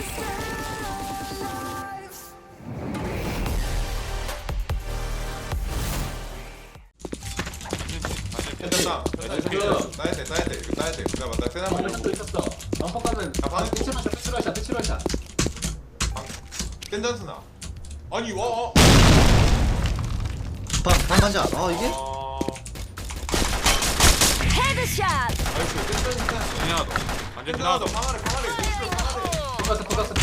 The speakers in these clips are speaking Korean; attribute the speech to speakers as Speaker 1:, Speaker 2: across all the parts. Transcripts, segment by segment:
Speaker 1: 괜찮다. 따야 돼. 그가 맞다. 세나
Speaker 2: 방금 또 있었어. 방금 가면
Speaker 1: 방금
Speaker 2: 피치럴샷.
Speaker 1: 땡전스나. 아니 와.
Speaker 3: 방간자. 이게?
Speaker 4: 헤드샷.
Speaker 1: 나이스. 땡전스나.
Speaker 5: 지나가도 완전
Speaker 1: 지나가도
Speaker 5: 지나가도
Speaker 1: 방아래.
Speaker 2: pokasy.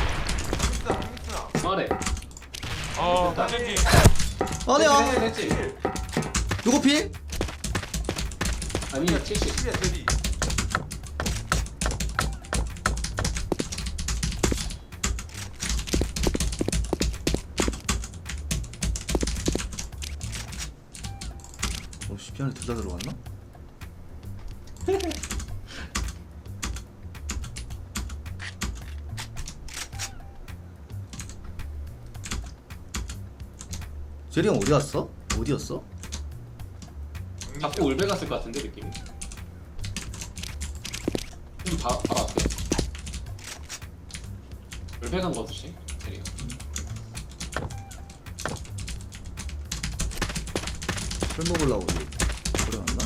Speaker 2: 말해.
Speaker 5: 완전히
Speaker 3: 아니야.
Speaker 2: 됐지.
Speaker 3: 누구 필?
Speaker 2: 아니 70.
Speaker 1: 10이야 데뷔.
Speaker 3: 오씨 피안에 둘 다 들어갔나? 제리 형 어디 갔어? 어디였어?
Speaker 2: 자꾸 울베 갔을 것 같은데 느낌이. 좀 바로 앞에. 울베 간 거듯이. 대리가.
Speaker 3: 술 먹으려고 오래 갔나?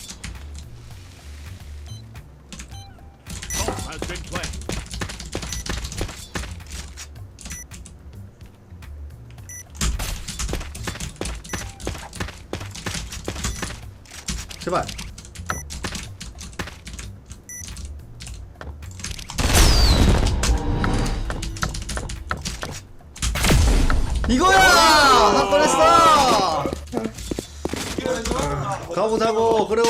Speaker 3: 제발. 이거야! 한 번 했어! 가보자고. 그래.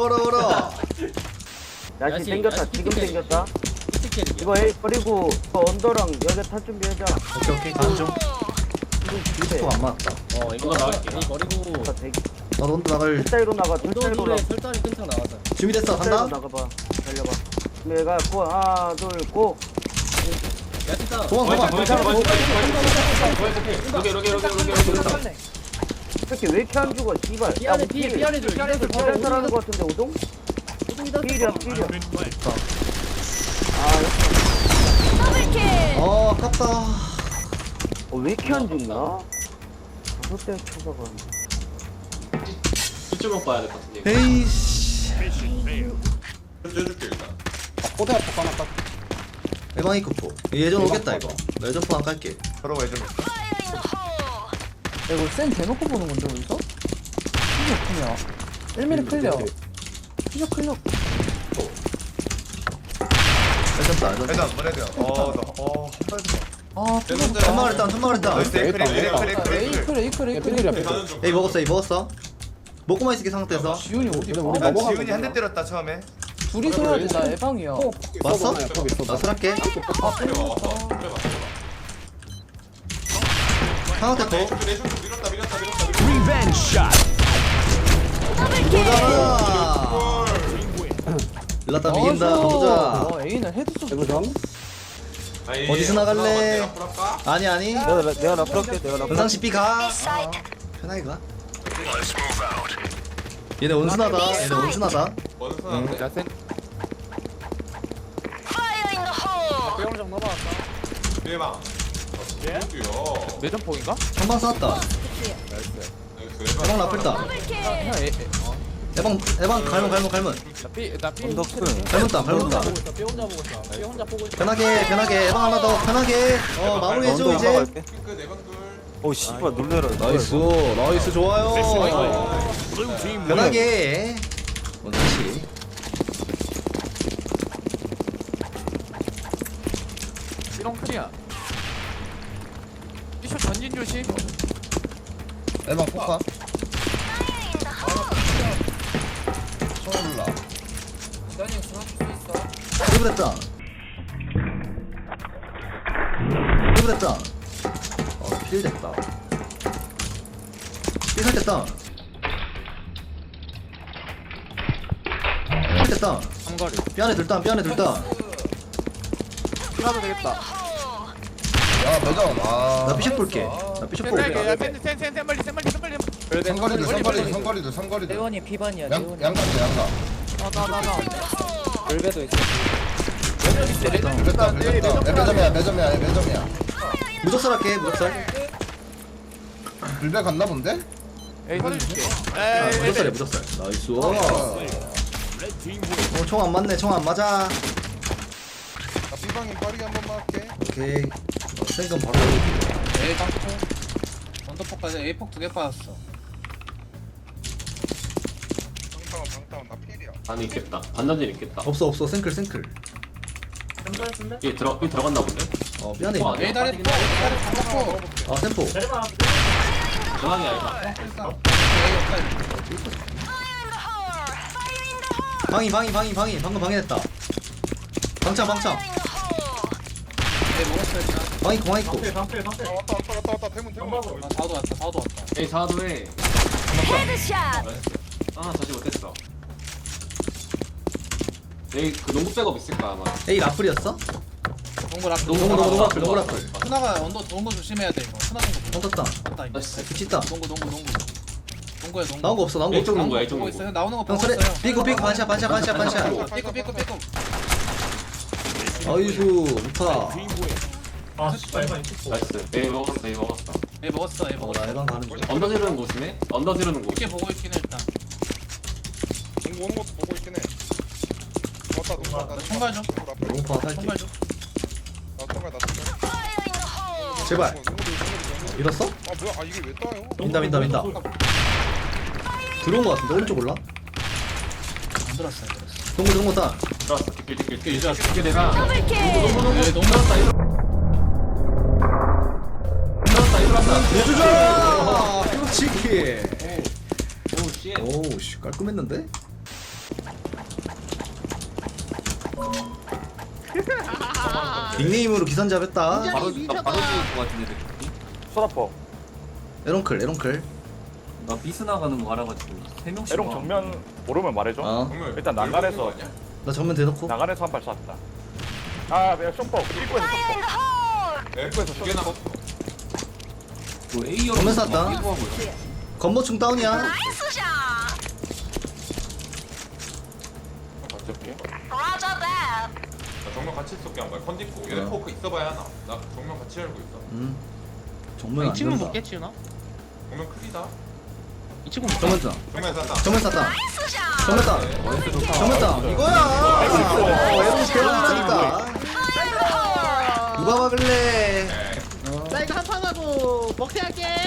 Speaker 6: 야시 땡겼다. 지금 땡겼다. 이거 A 버리고 언더랑 여기 탈 준비하자.
Speaker 3: 오케이 가는 중.
Speaker 6: 두대.
Speaker 3: 또안 맞았다.
Speaker 2: 이거 나갈게.
Speaker 7: 버리고
Speaker 6: 대기.
Speaker 3: 나도 혼자 나갈
Speaker 6: 철다리로 나가. 철다리로
Speaker 7: 운동에
Speaker 6: 나가.
Speaker 7: 철다리 끈창 나가자.
Speaker 3: 준비됐어.
Speaker 6: 철다리로
Speaker 3: 간다.
Speaker 6: 나가봐. 달려봐. 내가 고 하나 둘 고.
Speaker 7: 야 진짜.
Speaker 3: 도망.
Speaker 2: 로게.
Speaker 6: 이렇게 왜 이렇게 안 죽어? 씨발.
Speaker 7: 피안에 피안에 줄. 피안에 줄.
Speaker 6: 피를 따라하는 거 같은데 우동?
Speaker 7: 우동이다.
Speaker 6: 필이야.
Speaker 4: 더블킬.
Speaker 3: 아깝다.
Speaker 6: 왜 이렇게 안 죽나? 다섯 대 쳐다가.
Speaker 2: 이쪽으로 봐야 될 것 같은데.
Speaker 3: 에이씨.
Speaker 1: 해줄게 일단.
Speaker 3: 에방이 급포. 예전 오겠다 이거. 예전 포안 깔게.
Speaker 1: 서로 왜 좀.
Speaker 8: 이거 센 대놓고 보는 건데 어디서? 피셔 크냐? 1mm 클리어. 피셔 클리어.
Speaker 3: 예전다.
Speaker 1: 일단 뭐래야
Speaker 8: 아, 피셔.
Speaker 3: 천막을 했다.
Speaker 1: 나이스 에이크리.
Speaker 8: 에이클.
Speaker 1: 가는 중.
Speaker 3: 에이 먹었어. 먹고만 있을게 상태에서.
Speaker 8: 지훈이 어디?
Speaker 1: 난 지훈이 한 대 때렸다 처음에.
Speaker 8: 둘이서 해야 돼. 나 에방이야.
Speaker 3: 왔어? 나 술할게.
Speaker 8: 아,
Speaker 1: 그래 왔어.
Speaker 3: 하나 더.
Speaker 1: 밀었다.
Speaker 4: 더블킬.
Speaker 3: 보자. 일났다 이긴다. 보자.
Speaker 8: A는 헤드 쏘.
Speaker 3: 어디서 나갈래? 아니.
Speaker 6: 내가 나 풀었게. 내가 나
Speaker 3: 은상 CP 가. 편하게 가. 얘네 온순하다.
Speaker 1: 원선한데.
Speaker 4: 파이어 인 더 홀.
Speaker 1: 대박.
Speaker 7: 매점폭인가?
Speaker 3: 한방 쐈다. 에방 라플다.
Speaker 4: 더블킬.
Speaker 3: 에방 갈문. 갈문다.
Speaker 7: 삐 혼자 보고 있어. 삐 혼자 보고 있어.
Speaker 3: 편하게 에방 하나 더 편하게. 마무리해줘 이제.
Speaker 1: 그
Speaker 6: 씨발 놀래라.
Speaker 3: 나이스 좋아요. 편하게. 원시.
Speaker 7: 삐롱 클리어. 삐쇼 전진 조심.
Speaker 3: 에방 포카. 드블했다. 필 됐다. 필 됐다.
Speaker 7: 삼거리.
Speaker 3: 삐안에 들다.
Speaker 7: 하도 되겠다.
Speaker 3: 나 피셔 볼게.
Speaker 7: 센 멀리.
Speaker 1: 삼거리들.
Speaker 8: 대원이 비반이야.
Speaker 1: 양가도 양가.
Speaker 7: 나.
Speaker 8: 돌배도 있어.
Speaker 3: 매점이야. 무적살 할게 무적살.
Speaker 9: 불배 갔나 본데?
Speaker 7: 에이 터줄게.
Speaker 3: 무적살이야 무적살. 나이스. 총 안 맞네. 총 안 맞아.
Speaker 9: 나 삐방이 빠르게 한 번만 할게.
Speaker 3: 오케이. 생금 바로.
Speaker 8: A 땅콩 언더폭까지 A폭 2개 빠졌어.
Speaker 9: 방타운 나 필이야.
Speaker 2: 안에 있겠다. 반전진 있겠다.
Speaker 3: 없어 생클.
Speaker 2: 얘 들어갔나 본데?
Speaker 3: 미안해.
Speaker 2: 어,
Speaker 8: A 다리 반대폭.
Speaker 3: 템포.
Speaker 2: 중앙이 아니다.
Speaker 3: 방이 방금 방해됐다. 방창
Speaker 8: A 먹었어 일단.
Speaker 3: 방이 있고.
Speaker 9: 왔다. 대문.
Speaker 8: 아 사우도 왔다.
Speaker 2: 에이 사도에
Speaker 4: 헤드샷.
Speaker 2: 아 다시 못했어. 에이 그 농구 백업 있을까 아마.
Speaker 3: 에이 라플이었어?
Speaker 8: 동굴 앞.
Speaker 3: 농구 라플.
Speaker 8: 하나가 언더 동굴 조심해야 돼 이거. 하나 동굴.
Speaker 3: 떴다.
Speaker 8: 맞다 이거.
Speaker 2: 나이스.
Speaker 3: 붙였다.
Speaker 8: 동굴. 동구야 동구.
Speaker 3: 나온 거 없어.
Speaker 2: 이쪽 농구야 이쪽
Speaker 8: 보고
Speaker 2: 농구.
Speaker 8: 있어요. 나오는 거
Speaker 3: 형
Speaker 8: 보고
Speaker 3: 소리.
Speaker 8: 있어요.
Speaker 3: 삐꾸 반샷.
Speaker 8: 삐꾸.
Speaker 3: 아이수 좋다.
Speaker 2: 나이스. 에이 먹었어.
Speaker 8: A 먹었어.
Speaker 3: 나 예방 가는 중.
Speaker 2: 언더 지르는 곳이네. 언더 지르는 곳.
Speaker 8: 이렇게 보고 있긴 해 일단.
Speaker 9: 농구 오는 것도 보고 있긴 해. 왔다.
Speaker 8: 총괄 좀.
Speaker 3: 농파 살게.
Speaker 8: 총괄 좀.
Speaker 9: 나 총괄.
Speaker 3: 제발. 밀었어?
Speaker 9: 아 뭐야? 아 이게 왜 떠요?
Speaker 3: 민다. 들어온 거 같은데 오른쪽 올라.
Speaker 8: 안 들었어.
Speaker 3: 동구 따.
Speaker 2: 들어왔어. 뒷길. 이게 내가
Speaker 4: 더블킬.
Speaker 8: 예, 너무 들었다.
Speaker 3: 내주자. 그렇지.
Speaker 2: 오 씨.
Speaker 3: 오씨 깔끔했는데? 닉네임으로 기선잡 했다.
Speaker 2: 바로 죽을 것 같은데 느낌이.
Speaker 6: 소다포.
Speaker 3: 에런클.
Speaker 10: 나 비스 나가는 거 알아가지고 3명씩
Speaker 6: 에롱 정면 모르면 말해줘.
Speaker 1: 정말
Speaker 6: 일단 난간에서
Speaker 3: 나 전면 대놓고.
Speaker 6: 난간에서 한 발 쐈다. 아 내가 쇼퍼. 입구에서 쇼퍼.
Speaker 1: 에프에서 두개 남았어.
Speaker 10: 뭐 A형
Speaker 3: 정면 쐈다. 건보충 다운이야.
Speaker 4: 나이스 샷.
Speaker 1: 어쩔게.
Speaker 4: Roger that.
Speaker 1: 나 정면 같이 쏠게 한 발. 컨디포. 얘네 포크 있어봐야 하나. 나 정면 같이 알고 있어.
Speaker 3: 정면 안
Speaker 7: 친구
Speaker 3: 된다.
Speaker 7: 먹겠지 나?
Speaker 1: 정면 크리다.
Speaker 7: 이 친구
Speaker 3: 정면 쏴.
Speaker 1: 정면 쐈다.
Speaker 3: 정면 쐈다.
Speaker 4: 나이스 샷.
Speaker 3: 정면 따. 정면 따. 이거야. 에런 개런이라니까. 누가 막을래?
Speaker 7: 나 이거 한판 하고 먹태 할게.